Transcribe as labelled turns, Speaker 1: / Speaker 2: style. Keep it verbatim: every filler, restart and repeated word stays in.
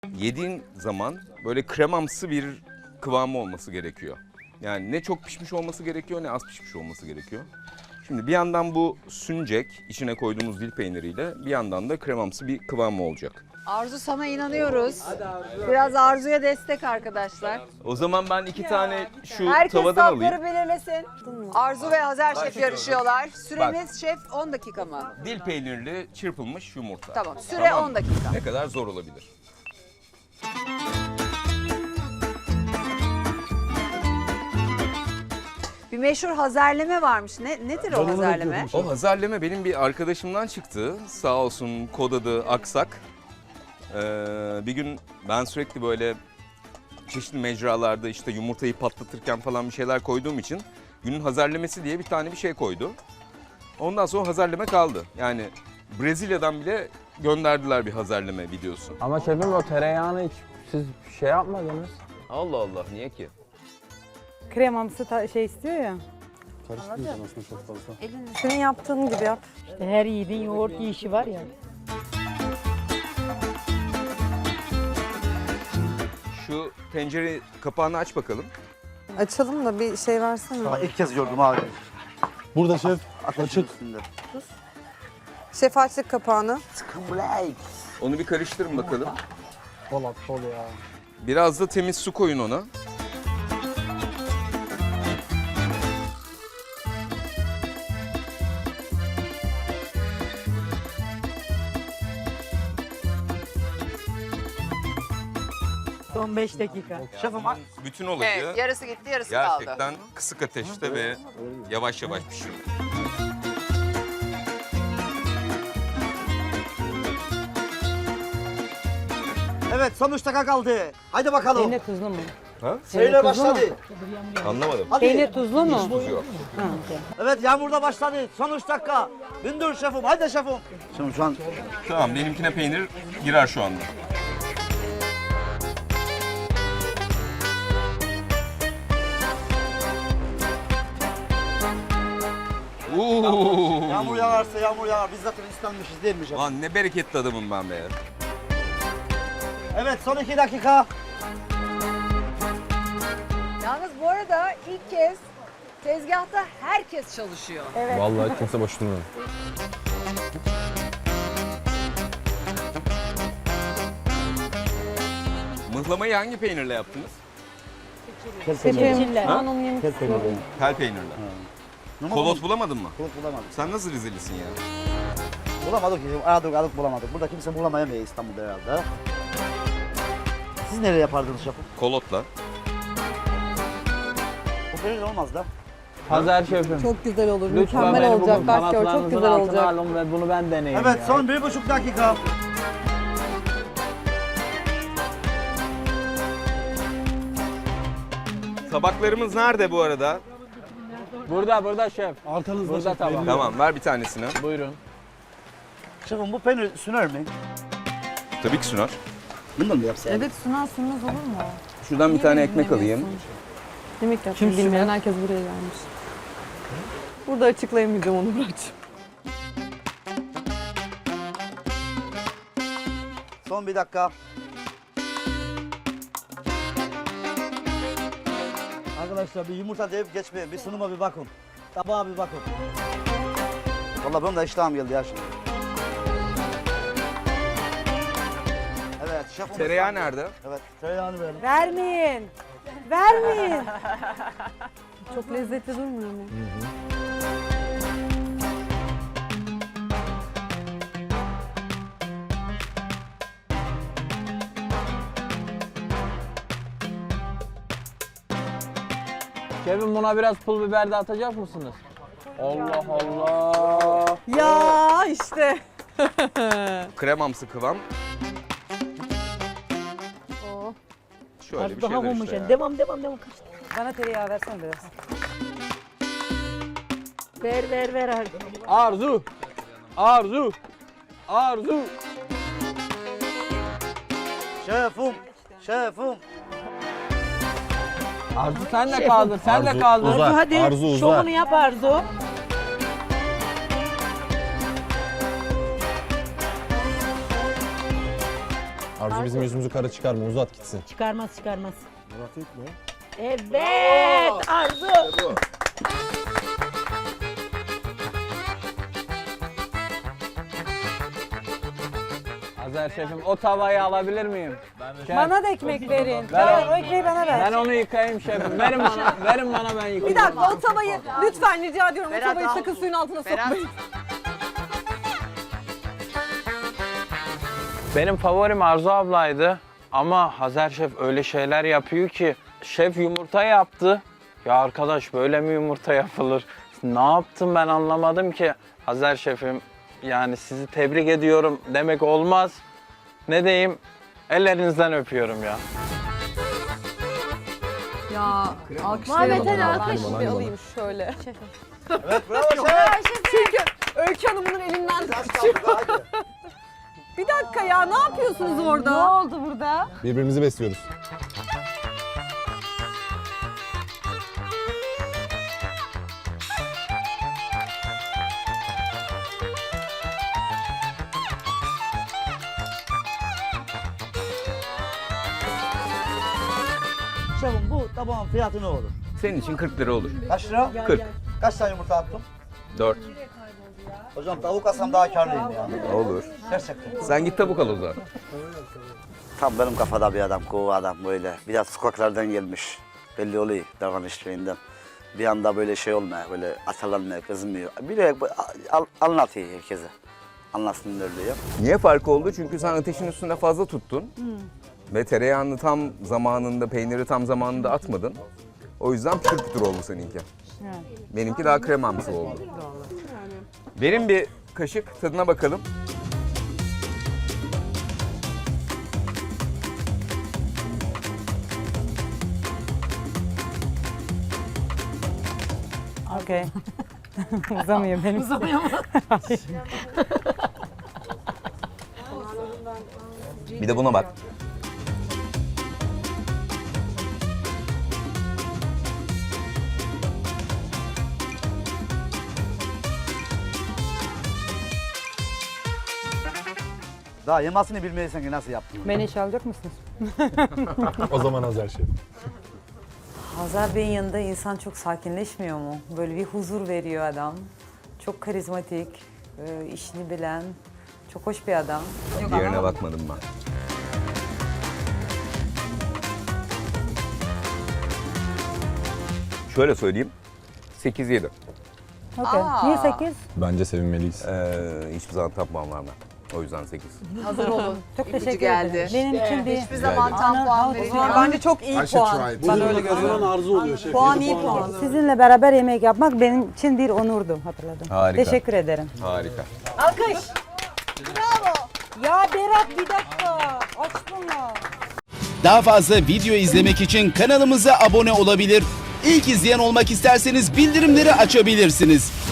Speaker 1: Yediğin zaman böyle kremamsı bir kıvamı olması gerekiyor. Yani ne çok pişmiş olması gerekiyor ne az pişmiş olması gerekiyor. Şimdi bir yandan bu süncek, içine koyduğumuz dil peyniriyle bir yandan da kremamsı bir kıvamı olacak.
Speaker 2: Arzu sana inanıyoruz. Biraz Arzu'ya destek arkadaşlar.
Speaker 1: O zaman ben iki tane şu
Speaker 2: Herkes
Speaker 1: tavadan alayım.
Speaker 2: sapları belirlesin. Arzu ve Hazer Şef yarışıyorlar. Süreniz şef on dakika mı?
Speaker 1: Dil peynirli çırpılmış yumurta.
Speaker 2: Tamam, süre on dakika.
Speaker 1: Ne kadar zor olabilir?
Speaker 2: Bir meşhur hazerleme varmış. Ne nedir o hazerleme?
Speaker 1: O hazırlama benim bir arkadaşımdan çıktı. Sağ olsun kod adı Aksak. Ee, bir gün ben sürekli böyle çeşitli mecralarda işte yumurtayı patlatırken falan bir şeyler koyduğum için günün hazırlaması diye bir tane bir şey koydu. Ondan sonra hazırlama kaldı. Yani Brezilya'dan bile gönderdiler bir hazırlama videosu.
Speaker 3: Ama şefim o tereyağını hiç siz şey yapmadınız.
Speaker 1: Allah Allah, niye ki?
Speaker 4: Kremamsı ta- şey istiyor ya.
Speaker 5: Karıştırmayacağım aslında çok fazla.
Speaker 4: Senin yaptığın gibi yap.
Speaker 6: İşte her yiğidin yoğurt yiyişi var ya.
Speaker 1: Şu tencere kapağını aç bakalım.
Speaker 4: Açalım da bir şey versene.
Speaker 5: Daha ilk kez gördüm abi. Burada şef açık.
Speaker 4: Şef açtık kapağını.
Speaker 1: Onu bir karıştırın bakalım.
Speaker 5: Bol at bol ya.
Speaker 1: Biraz da temiz su koyun ona.
Speaker 6: Son beş dakika.
Speaker 5: Şefim
Speaker 1: Bütün olayı
Speaker 2: Evet, yarısı gitti, yarısı kaldı.
Speaker 1: gerçekten kısık ateşte ve yavaş yavaş pişiyor.
Speaker 5: evet son üç dakika kaldı. Haydi bakalım.
Speaker 6: Peynir tuzlu mu?
Speaker 1: Ha?
Speaker 5: Şeyle başladı.
Speaker 1: Anlamadım.
Speaker 5: Hadi.
Speaker 6: Peynir tuzlu mu?
Speaker 1: Tuz yok.
Speaker 6: Ha, okey.
Speaker 5: Evet yağmur da başladı. Son üç dakika. Bindir şefim. Haydi şefim. Şimdi şu an
Speaker 1: Tamam, benimkine peynir girer şu anda. Oo.
Speaker 5: yağmur yağarsa yağmur yağar. Biz zaten istenmişiz değil mi şefim?
Speaker 1: Lan ne bereketli adamım ben be.
Speaker 5: Evet son iki dakika.
Speaker 2: Yalnız bu arada ilk kez tezgahta herkes çalışıyor.
Speaker 3: Vallahi kimse boş durmuyor.
Speaker 1: Mıhlamayı hangi peynirle yaptınız?
Speaker 6: Seçiller.
Speaker 3: Ha?
Speaker 6: Onun yemek
Speaker 5: Kel peyniri.
Speaker 1: Tel peynirle. Kolot bulamadın mı?
Speaker 5: Kolot bulamadık.
Speaker 1: Sen nasıl Rizelisin ya?
Speaker 5: Bulamadık ki. Aradık aradık bulamadık. Burada kimse bulamayamıyor İstanbul'da herhalde. Siz nereye yapardınız şefim?
Speaker 1: Kolotla.
Speaker 5: Bu peynir olmaz da.
Speaker 3: Hazır şefim.
Speaker 4: Çok güzel olur.
Speaker 3: Lütfen
Speaker 4: Mükemmel
Speaker 3: beni
Speaker 4: olacak.
Speaker 3: bugün
Speaker 4: Bak gör çok
Speaker 3: kanatlarınızın
Speaker 4: güzel
Speaker 3: altına
Speaker 4: olacak.
Speaker 3: alın ve bunu ben deneyeyim
Speaker 5: Evet
Speaker 3: ya.
Speaker 5: son bir buçuk dakika.
Speaker 1: Tabaklarımız nerede bu arada?
Speaker 3: Burada burada şef.
Speaker 5: Arkanızda
Speaker 3: Burada tamam.
Speaker 1: Tamam, ver bir tanesini.
Speaker 3: Buyurun.
Speaker 5: Şefim bu peynir süner mi?
Speaker 1: Tabii ki Sunar.
Speaker 5: Bundan mı yapsaydık?
Speaker 4: Evet sunar sunmaz olur mu?
Speaker 1: Şuradan bir tane ekmek alayım.
Speaker 4: Yemek yapmayı bilmeyen herkes buraya gelmiş. Burada açıklayamayacağım onu Murat'cığım.
Speaker 5: Son bir dakika. Arkadaşlar bir yumurta deyip geçmeyin. Bir sunuma bir bakın. Tabağa bir bakın. Vallahi benim de iştahım geldi ya şimdi. Evet şefim.
Speaker 1: Tereyağı nerede?
Speaker 5: Evet tereyağını verelim.
Speaker 4: Vermeyin. Vermeyin. Çok lezzetli durmuyor mu?
Speaker 3: Şefim buna biraz pul biber de atacak mısınız? Allah Allah.
Speaker 4: Ya işte.
Speaker 1: Kremamsı kıvam.
Speaker 4: Oh.
Speaker 1: Şöyle bir
Speaker 6: Az daha
Speaker 1: şeyler
Speaker 6: homojen.
Speaker 1: işte ya.
Speaker 6: Devam devam devam. Kaç.
Speaker 4: Bana tereyağı versene biraz.
Speaker 6: Ver ver ver. Arzu.
Speaker 3: Arzu. Arzu. Arzu.
Speaker 5: Şefim. Şefim.
Speaker 3: Arzu sen de kaldır. Sen de kaldır.
Speaker 6: Arzu hadi.
Speaker 5: Arzu uzar.
Speaker 6: Şovunu yap Arzu.
Speaker 7: Arzu bizim yüzümüzü kara çıkarma, uzat gitsin.
Speaker 6: Çıkarmaz çıkarmaz. Evet Arzu.
Speaker 3: Azer şefim o tavayı alabilir miyim? Şef,
Speaker 4: Bana da ekmek verin.
Speaker 3: Ver
Speaker 4: Ver,
Speaker 3: o-
Speaker 4: o ekmeği bana ver.
Speaker 3: ben onu yıkayayım şefim. Verin bana, verin bana ben yıkayayım.
Speaker 4: Bir dakika o tavayı lütfen rica ediyorum.
Speaker 2: Berat,
Speaker 4: o tavayı
Speaker 2: al.
Speaker 4: sakın suyun altına
Speaker 2: Berat.
Speaker 4: sokmayın.
Speaker 3: Benim favorim Arzu ablaydı ama Hazer şef öyle şeyler yapıyor ki şef yumurta yaptı. Ya arkadaş böyle mi yumurta yapılır? Ne yaptım ben anlamadım ki. Hazer şefim yani sizi tebrik ediyorum demek olmaz. Ne diyeyim? Ellerinizden öpüyorum ya.
Speaker 4: Ya alkışlayalım.
Speaker 6: Muhammed Ali alkış.
Speaker 4: Bir alayım şöyle.
Speaker 5: Evet bravo şef.
Speaker 4: Çünkü Öykü Hanım'ın elinden tutuyor. Bir dakika ya ne yapıyorsunuz orada? Ne oldu burada?
Speaker 7: Birbirimizi besliyoruz.
Speaker 5: Şefim bu tabağın fiyatı ne olur?
Speaker 1: Senin için kırk lira olur.
Speaker 5: Kaç lira?
Speaker 1: kırk.
Speaker 5: Kaç tane yumurta attım?
Speaker 1: dört.
Speaker 5: Hocam tavuk alsam daha karlıyım ya.
Speaker 1: Olur.
Speaker 5: Gerçekten.
Speaker 1: Sen git tavuk al o zaman.
Speaker 5: Tam benim kafada bir adam, kova adam böyle. Biraz sokaklardan gelmiş. Belli oluyor davranışlarından. Bir anda böyle şey olmuyor, böyle atalanmıyor, kızmıyor. Bir de al, anlatıyor herkese. Anlatsın öyle ya.
Speaker 1: Niye fark oldu? Çünkü sen ateşin üstünde fazla tuttun. Ve tereyağını tam zamanında, peyniri tam zamanında atmadın. O yüzden pütür pütür oldu seninki. Benimki daha kremamsı oldu. Verin bir kaşık tadına bakalım.
Speaker 4: Okey. Uzamıyor benim.
Speaker 1: Bir de buna bak.
Speaker 5: Daha yemasını bilmeysen ki nasıl yaptın?
Speaker 4: Beni işe alacak mısınız?
Speaker 7: O zaman Azer şef.
Speaker 8: Hazar Bey'in yanında insan çok sakinleşmiyor mu? Böyle bir huzur veriyor adam. Çok karizmatik, e, işini bilen, çok hoş bir adam.
Speaker 1: Diğerine bakmadım ben. Şöyle söyleyeyim. sekiz yedi.
Speaker 4: Okey. Niye sekiz?
Speaker 7: Bence sevinmeliyiz.
Speaker 1: Ee, hiçbir zaman tapmam vermem. O yüzden sekiz.
Speaker 4: Hazır olun. Çok
Speaker 2: İpucu
Speaker 4: teşekkür
Speaker 2: geldi.
Speaker 4: ederim. Benim için bir...
Speaker 2: Hiçbir zaman tam puan verilmiyor.
Speaker 4: Bence çok iyi puan. Ben öyle görüyorum.
Speaker 7: Arzu oluyor şef.
Speaker 4: Puan iyi puan.
Speaker 9: Sizinle beraber yemek yapmak benim için bir onurdu, hatırladım.
Speaker 1: Harika.
Speaker 9: Teşekkür ederim.
Speaker 1: Harika.
Speaker 4: Alkış.
Speaker 9: Ya Berat bir dakika, açsana.
Speaker 10: Daha fazla video izlemek için kanalımıza abone olabilir. İlk izleyen olmak isterseniz bildirimleri açabilirsiniz.